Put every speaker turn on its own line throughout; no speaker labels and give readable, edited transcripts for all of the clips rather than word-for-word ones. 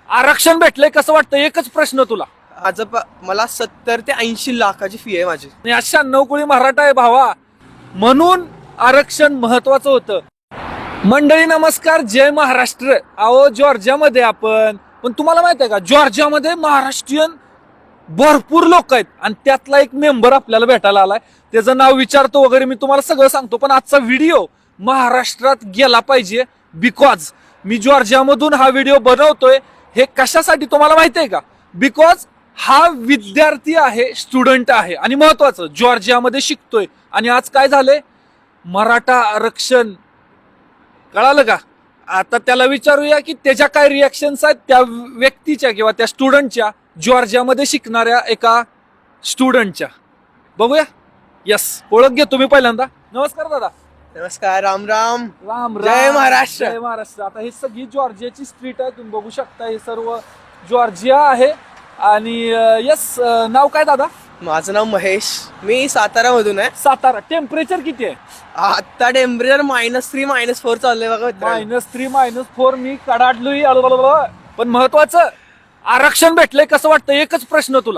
आरक्षण भेटलंय कसं वाटतं? एकच प्रश्न तुला.
मला 70 ते 80 लाखाची फी आहे माझी.
आणि अशा 90 कोळी मराठा आहे भावा, म्हणून आरक्षण महत्वाचं होतं. मंडळी नमस्कार, जय महाराष्ट्र. अहो जॉर्जियामध्ये आपण, पण तुम्हाला माहित आहे का जॉर्जियामध्ये महाराष्ट्रीयन भरपूर लोक आहेत आणि त्यातला एक मेंबर आपल्याला भेटायला आलाय. त्याचं नाव विचारतो वगैरे, मी तुम्हाला सगळं सांगतो. पण आजचा व्हिडिओ महाराष्ट्रात गेला पाहिजे, बिकॉज मी जॉर्जियामधून हा व्हिडिओ बनवतोय. हे कशासाठी तुम्हाला माहिती आहे का? बिकॉज हा विद्यार्थी आहे, स्टुडंट आहे आणि महत्वाचं जॉर्जियामध्ये शिकतोय. आणि आज काय झालंय, मराठा आरक्षण कळालं का? आता त्याला विचारूया की त्याच्या काय रिॲक्शन्स आहेत, त्या व्यक्तीच्या किंवा त्या स्टुडंटच्या, जॉर्जियामध्ये शिकणाऱ्या एका स्टुडंटच्या. बघूया. यस, ओळख घे तुम्ही पहिल्यांदा. नमस्कार दादा.
नमस्कार, राम राम.
राम राम.
जय महाराष्ट्र.
जय महाराष्ट्र. आता हे सगळी जॉर्जियाची स्ट्रीट आहे, तुम्ही बघू शकता. हे सर्व जॉर्जिया आहे. आणि यस, नाव काय दादा?
माझं नाव महेश. मी सातारा मधून आहे.
सातारा. टेम्परेचर किती आहे?
आता टेम्परेचर -3 -4 चाललंय बघा मित्रांनो.
-3 -4. मी कडाडलोय. पण महत्वाचं आरक्षण भेटलंय कसं वाटतं? एकच प्रश्न तुला.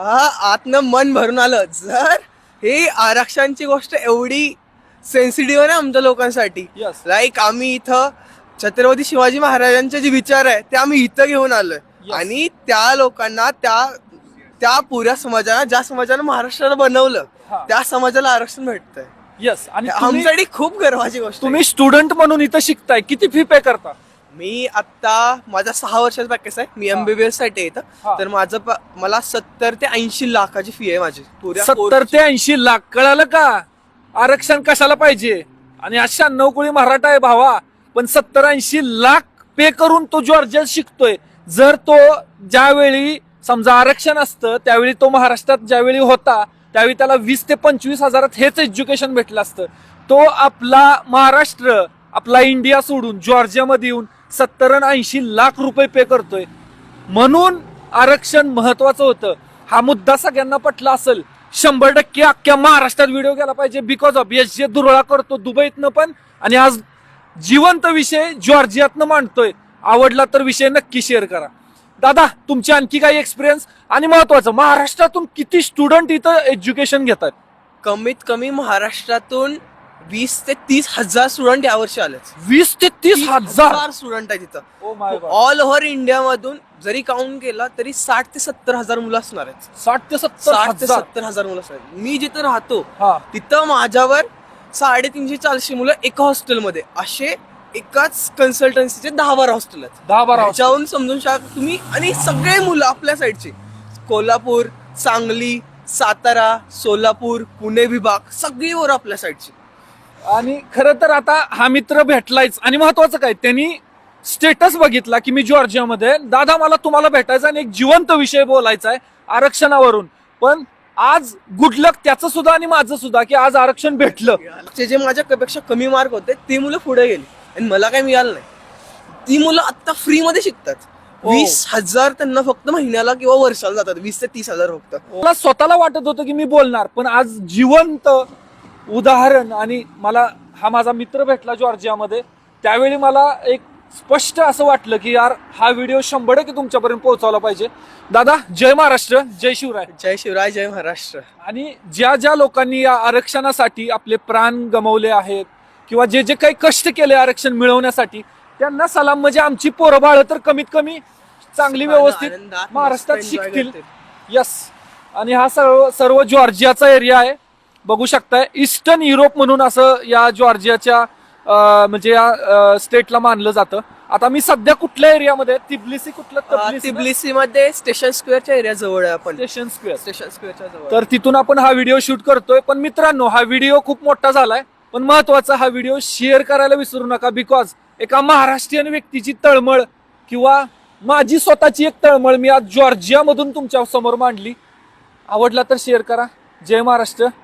आतनं मन भरून आलं. जर ही आरक्षणची गोष्ट एवढी सेन्सिटिव्ह आहे ना आमच्या लोकांसाठी,
Yes.
लाईक आम्ही इथं छत्रपती शिवाजी महाराजांचे जे विचार आहे ते आम्ही इथं घेऊन आलोय.
Yes.
आणि त्या लोकांना, त्या पुऱ्या समाजाला, ज्या समाजानं महाराष्ट्राला बनवलं,
हा.
त्या समाजाला आरक्षण भेटतंय.
यस. आणि
आमच्यासाठी खूप गर्वाची गोष्ट आहे.
तुम्ही स्टुडंट म्हणून इथं शिकताय, किती फी पे करता?
मी आता माझा 6 वर्षाचा पॅकेज आहे. मी MBBS साठी
हा.
येतं. तर मला 70 ते 80 लाखाची फी आहे माझी.
70 ते 80 लाख. कळालं का? आरक्षण कशाला पाहिजे? आणि अशा 90 कोळी मराठा आहे भावा, पण 70-80 लाख पे करून तो जॉर्जियात शिकतोय. जर तो ज्यावेळी समजा आरक्षण असतं, त्यावेळी तो महाराष्ट्रात ज्यावेळी होता, त्यावेळी त्याला 20 ते 25 हजारात हेच एज्युकेशन भेटलं असतं. तो आपला महाराष्ट्र, आपला इंडिया सोडून जॉर्जियामध्ये येऊन 70 आणि 80 लाख रुपये पे करतोय. म्हणून आरक्षण महत्वाचं होतं. हा मुद्दा सगळ्यांना पटला असेल. 100% अख्ख्या महाराष्ट्रात व्हिडिओ गेला पाहिजे. बिकॉज ऑफ यश जे दुरळा करतो दुबईतनं पण, आणि आज जिवंत विषय जॉर्जियातनं मांडतोय. आवडला तर विषय नक्की शेअर करा. दादा, तुमचे आणखी काही एक्सपिरियन्स? आणि महत्वाचं, महाराष्ट्रातून किती स्टुडंट इथं एज्युकेशन घेतात?
कमीत कमी महाराष्ट्रातून 20 ते 30 हजार स्टुडंट यावर्षी आले.
20 ते 30 हजार
स्टुडंट आहे तिथं.
Oh my god.
All over India मधून जरी काउंट केला तरी 60 ते 70 हजार मुलं असणार आहेत.
60 ते 70
60 ते
हजार.
70 हजार मुलं असणार आहेत. मी जिथं राहतो
हा.
तिथं माझ्यावर 350-400 मुलं एका हॉस्टेलमध्ये. असे एकाच कन्सल्टन्सीचे 10-12 हॉस्टेल आहेत.
10-12
त्याच्याहून समजून शकता तुम्ही. आणि सगळे मुलं आपल्या साईडचे, कोल्हापूर, सांगली, सातारा, सोलापूर, पुणे विभाग, सगळी वर आपल्या साईडची.
आणि खरं तर आता हा मित्र भेटलायच. आणि महत्वाचं काय, त्यांनी स्टेटस बघितला की मी जॉर्जियामध्ये आहे. दादा, मला तुम्हाला भेटायचं आणि एक जिवंत विषय बोलायचा आहे आरक्षणावरून. पण आज गुड लक त्याचं सुद्धा आणि माझं सुद्धा, की आज आरक्षण भेटलं.
जे माझ्यापेक्षा कमी मार्क होते ते मुलं पुढे गेली आणि मला काही मिळालं नाही. ती मुलं आता फ्री मध्ये शिकतात. 20,000 त्यांना फक्त महिन्याला किंवा वर्षाला जातात. 20 ते 30 हजार फक्त.
मला स्वतःला वाटत होतं की मी बोलणार, पण आज जिवंत उदाहरण. आणि मला हा माझा मित्र भेटला जॉर्जियामध्ये. त्यावेळी मला एक स्पष्ट असं वाटलं की यार, हा व्हिडिओ 100% तुमच्यापर्यंत पोहोचवला पाहिजे. दादा, जय महाराष्ट्र, जय शिवराय.
जय शिवराय, जय महाराष्ट्र.
आणि ज्या ज्या लोकांनी या आरक्षणासाठी आपले प्राण गमावले आहेत किंवा जे जे काही कष्ट केले आरक्षण मिळवण्यासाठी, त्यांना सलाम. म्हणजे आमची पोरं बाळ तर कमीत कमी चांगली व्यवस्थित
आनंदात
महाराष्ट्रात
मस्त enjoy
शिकतील.
करतील.
यस. आणि हा सर्व जॉर्जियाचा एरिया आहे. बघू शकताय, ईस्टर्न युरोप म्हणून असं या जॉर्जियाच्या म्हणजे या स्टेटला मानलं जातं. आता मी सध्या कुठल्या एरियामध्ये? तिब्लिसी. कुठलं?
तिब्लिसी मध्ये स्टेशन स्क्वेअरच्या एरिया जवळ आहे आपण.
Station square.
स्टेशन स्क्वेअरच्या जवळ.
तर तिथून आपण हा व्हिडिओ शूट करतोय. पण मित्रांनो, हा व्हिडिओ खूप मोठा झालाय, पण महत्वाचा हा व्हिडिओ शेअर करायला विसरू नका. बिकॉज एका महाराष्ट्रीयन व्यक्तीची तळमळ किंवा माझी स्वतःची एक तळमळ मी आज जॉर्जियामधून तुमच्या समोर मांडली. आवडला तर शेअर करा. जय महाराष्ट्र.